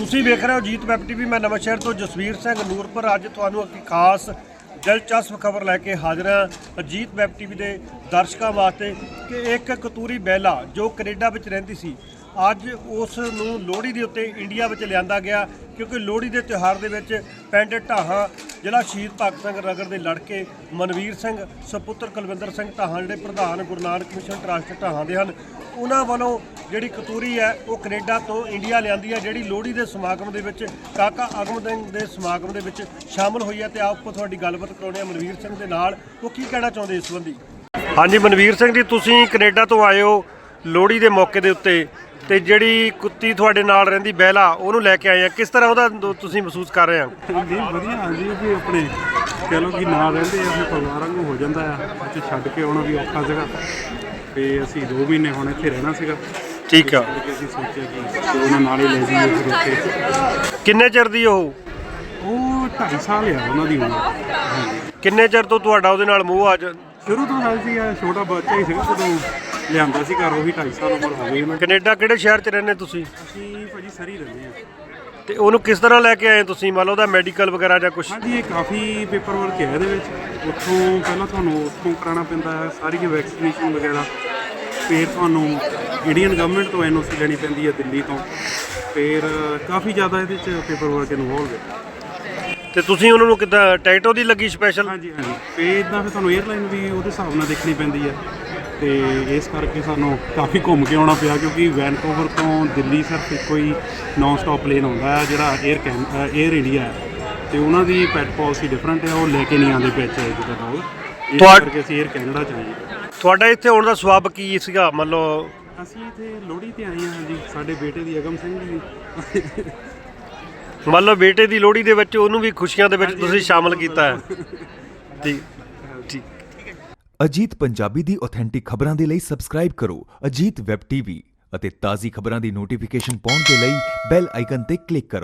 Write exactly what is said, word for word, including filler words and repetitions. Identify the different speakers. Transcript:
Speaker 1: ਤੁਸੀਂ ਵੇਖ ਰਹੇ ਹੋ ਅਜੀਤ ਵੈਬ ਟੀਵੀ। मैं नवांशहर तो जसवीर सिंह ਨੂਰਪੁਰ। ਅੱਜ ਤੁਹਾਨੂੰ ਇੱਕ ਖਾਸ ਦਿਲਚਸਪ ਖਬਰ ਲੈ ਕੇ ਹਾਜ਼ਰ ਹਾਂ ਅਜੀਤ ਵੈਬ ਟੀਵੀ ਦੇ ਦਰਸ਼ਕਾਂ ਵਾਸਤੇ ਕਿ ਇੱਕ ਕਤੂਰੀ ਬਹਿਲਾ ਜੋ ਕੈਨੇਡਾ ਵਿੱਚ ਰਹਿੰਦੀ ਸੀ, ਅੱਜ ਉਸ ਨੂੰ ਲੋਹੜੀ ਦੇ ਉੱਤੇ ਇੰਡੀਆ ਵਿੱਚ ਲਿਆਂਦਾ ਗਿਆ, ਕਿਉਂਕਿ ਲੋਹੜੀ ਦੇ ਤਿਉਹਾਰ ਦੇ ਵਿੱਚ ਪਿੰਡ ਢਾਹਾਂ ਜ਼ਿਲ੍ਹਾ ਸ਼ਹੀਦ ਭਗਤ ਸਿੰਘ ਨਗਰ ਦੇ ਲੜਕੇ ਮਨਵੀਰ ਸਿੰਘ ਸਪੁੱਤਰ ਕੁਲਵਿੰਦਰ ਸਿੰਘ ਢਾਹਾਂ ਜਿਹੜੇ ਪ੍ਰਧਾਨ ਗੁਰੂ ਨਾਨਕ ਮਿਸ਼ਨ ਟਰੱਸਟ ਢਾਹਾਂ ਦੇ ਹਨ, ਉਹਨਾਂ ਵੱਲੋਂ ਜਿਹੜੀ ਕਤੂਰੀ ਹੈ ਉਹ ਕੈਨੇਡਾ ਤੋਂ ਇੰਡੀਆ ਲਿਆਂਦੀ ਹੈ, ਜਿਹੜੀ ਲੋਹੜੀ ਦੇ ਸਮਾਗਮ ਦੇ ਵਿੱਚ ਕਾਕਾ ਅਗਮ ਸਿੰਘ ਦੇ ਸਮਾਗਮ ਦੇ ਵਿੱਚ ਸ਼ਾਮਲ ਹੋਈ ਹੈ। ਤੇ ਆਪਕੋ ਤੁਹਾਡੀ ਗੱਲਬਾਤ ਕਰਾਉਣੀ ਹੈ ਮਨਵੀਰ ਸਿੰਘ ਦੇ ਨਾਲ, ਉਹ ਕੀ ਕਹਿਣਾ ਚਾਹੁੰਦੇ ਇਸ ਸੰਬੰਧੀ। ਹਾਂਜੀ ਮਨਵੀਰ ਸਿੰਘ ਜੀ, ਤੁਸੀਂ ਕੈਨੇਡਾ ਤੋਂ ਆਏ ਹੋ ਲੋਹੜੀ ਦੇ ਮੌਕੇ ਦੇ ਉੱਤੇ, ਤੇ ਜਿਹੜੀ ਕੁੱਤੀ ਤੁਹਾਡੇ ਨਾਲ ਰਹਿੰਦੀ ਬਹਿਲਾ ਉਹਨੂੰ ਲੈ ਕੇ ਆਏ ਆ, ਕਿਸ ਤਰ੍ਹਾਂ ਉਹਦਾ ਤੁਸੀਂ ਮਹਿਸੂਸ ਕਰ ਰਹੇ ਹੋ?
Speaker 2: ਜੀ ਵਧੀਆ। ਹਾਂਜੀ ਵੀ ਆਪਣੇ ਕਹਿ ਲਓ ਕਿ ਨਾਲ ਰਹਿੰਦੇ ਆ, ਫਿਰ ਪਰਿਵਾਰ ਵਾਂਗੂ ਹੋ ਜਾਂਦਾ ਆ। ਉੱਥੇ ਛੱਡ ਕੇ ਆਉਣਾ ਵੀ ਔਖਾ ਸੀਗਾ, ਤੇ ਅਸੀਂ ਦੋ ਮਹੀਨੇ ਹੁਣ ਇੱਥੇ ਰਹਿਣਾ ਸੀਗਾ।
Speaker 1: ਠੀਕ ਆ,
Speaker 2: ਅਸੀਂ ਸੋਚਿਆ ਕਿ ਉਹਨਾਂ ਨਾਲ ਹੀ ਲੈ ਜਾਈਏ ਫਿਰ ਉੱਥੇ।
Speaker 1: ਕਿੰਨੇ ਚਿਰ ਦੀ ਉਹ?
Speaker 2: ਉਹ ਢਾਈ ਸਾਲ ਆ ਉਹਨਾਂ ਦੀ ਉਮਰ। ਹਾਂਜੀ।
Speaker 1: ਕਿੰਨੇ ਚਿਰ ਤੋਂ ਤੁਹਾਡਾ ਉਹਦੇ ਨਾਲ ਮੋਹ ਅੱਜ?
Speaker 2: ਸ਼ੁਰੂ ਤੋਂ ਨਾਲ ਸੀਗਾ, ਛੋਟਾ ਬੱਚਾ ਹੀ ਸੀਗਾ ਜਦੋਂ ਲਿਆਂਦਾ ਸੀ ਘਰ। ਉਹ ਵੀ ਢਾਈ ਸਾਲ ਉਮਰ ਹੋ ਗਈ ਉਹਨਾਂ ਦੀ।
Speaker 1: ਕੈਨੇਡਾ ਕਿਹੜੇ ਸ਼ਹਿਰ 'ਚ ਰਹਿੰਦੇ ਤੁਸੀਂ?
Speaker 2: ਅਸੀਂ ਭਾਜੀ ਸਰੀ ਰਹਿੰਦੇ ਆ।
Speaker 1: ਤੇ ਉਹਨੂੰ ਕਿਸ ਤਰ੍ਹਾਂ ਲੈ ਕੇ ਆਏ ਤੁਸੀਂ? ਮੰਨ ਲਓ ਉਹਦਾ ਮੈਡੀਕਲ ਵਗੈਰਾ ਜਾਂ ਕੁਝ?
Speaker 2: ਹਾਂਜੀ, ਇਹ ਕਾਫੀ ਪੇਪਰ ਵਰਕ ਹੈ ਇਹਦੇ ਵਿੱਚ। ਉੱਥੋਂ ਪਹਿਲਾਂ ਤੁਹਾਨੂੰ ਉੱਥੋਂ ਕਰਾਉਣਾ ਪੈਂਦਾ ਹੈ ਸਾਰੀ ਵੈਕਸੀਨੇਸ਼ਨ ਵਗੈਰਾ, ਫਿਰ ਤੁਹਾਨੂੰ ਇੰਡੀਅਨ ਗਵਰਨਮੈਂਟ ਤੋਂ ਐਨ ਓ ਸੀ ਲੈਣੀ ਪੈਂਦੀ ਹੈ ਦਿੱਲੀ ਤੋਂ, ਫਿਰ ਕਾਫੀ ਜ਼ਿਆਦਾ ਇਹਦੇ 'ਚ ਪੇਪਰ ਵਰਕ ਇਨਵੋਲਵ ਹੈ।
Speaker 1: ਤੇ ਤੁਸੀਂ ਉਹਨਾਂ ਨੂੰ ਕਿੱਦਾਂ ਟਿਕਟ ਉਹਦੀ ਲੱਗੀ ਸਪੈਸ਼ਲ?
Speaker 2: ਹਾਂਜੀ ਹਾਂਜੀ, ਫਿਰ ਇੱਦਾਂ ਫਿਰ ਤੁਹਾਨੂੰ ਏਅਰਲਾਈਨ ਵੀ ਉਹਦੇ ਹਿਸਾਬ ਨਾਲ ਦੇਖਣੀ ਪੈਂਦੀ ਹੈ, ਤੇ ਇਸ ਕਰਕੇ ਸਾਨੂੰ ਕਾਫੀ ਘੁੰਮ ਕੇ ਆਉਣਾ ਪਿਆ, ਕਿਉਂਕਿ ਵੈਨਕੂਵਰ ਤੋਂ ਦਿੱਲੀ ਸਿਰਫ ਇੱਕੋ ਹੀ ਨੌਨ ਸਟਾਪ ਪਲੇਨ ਆਉਂਦਾ ਹੈ ਜਿਹੜਾ ਏਅਰ ਕੈਨ ਏਅਰ ਇੰਡੀਆ ਹੈ, ਤੇ ਉਹਨਾਂ ਦੀ ਪੈਟ ਪਾਲਿਸੀ ਡਿਫਰੈਂਟ ਹੈ, ਉਹ ਲੈ ਕੇ ਨਹੀਂ ਆਉਂਦੇ ਪੈਚ ਜਿੱਦਾਂ ਡੋਗ, ਇਸ ਕਰਕੇ ਅਸੀਂ ਏਅਰ ਕੈਨੇਡਾ 'ਚ ਆਏ।
Speaker 1: ਤੁਹਾਡਾ ਇੱਥੇ ਆਉਣ ਦਾ ਸਵਾਬ ਕੀ ਸੀਗਾ? ਮੰਨ ਲਓ
Speaker 2: ਅਸੀਂ ਇੱਥੇ ਲੋਹੜੀ ਤੇ ਆਏ ਹਾਂ। ਹਾਂਜੀ, ਸਾਡੇ ਬੇਟੇ ਦੀ ਅਗਮ ਸਿੰਘ ਦੀ
Speaker 1: ਮੰਨ ਲਓ ਬੇਟੇ ਦੀ ਲੋਹੜੀ ਦੇ ਵਿੱਚ ਉਹਨੂੰ ਵੀ ਖੁਸ਼ੀਆਂ ਦੇ ਵਿੱਚ ਤੁਸੀਂ ਸ਼ਾਮਲ ਕੀਤਾ ਹੈ। ਠੀਕ ਠੀਕ।
Speaker 3: ਅਜੀਤ ਪੰਜਾਬੀ ਦੀ ਆਥੈਂਟਿਕ ਖਬਰਾਂ ਦੇ ਲਈ ਸਬਸਕ੍ਰਾਈਬ ਕਰੋ ਅਜੀਤ ਵੈਬ ਟੀਵੀ ਅਤੇ ਤਾਜ਼ੀ ਖਬਰਾਂ ਦੀ ਨੋਟੀਫਿਕੇਸ਼ਨ ਪਾਉਣ ਦੇ ਲਈ ਬੈਲ ਆਈਕਨ ਤੇ ਕਲਿੱਕ ਕਰੋ।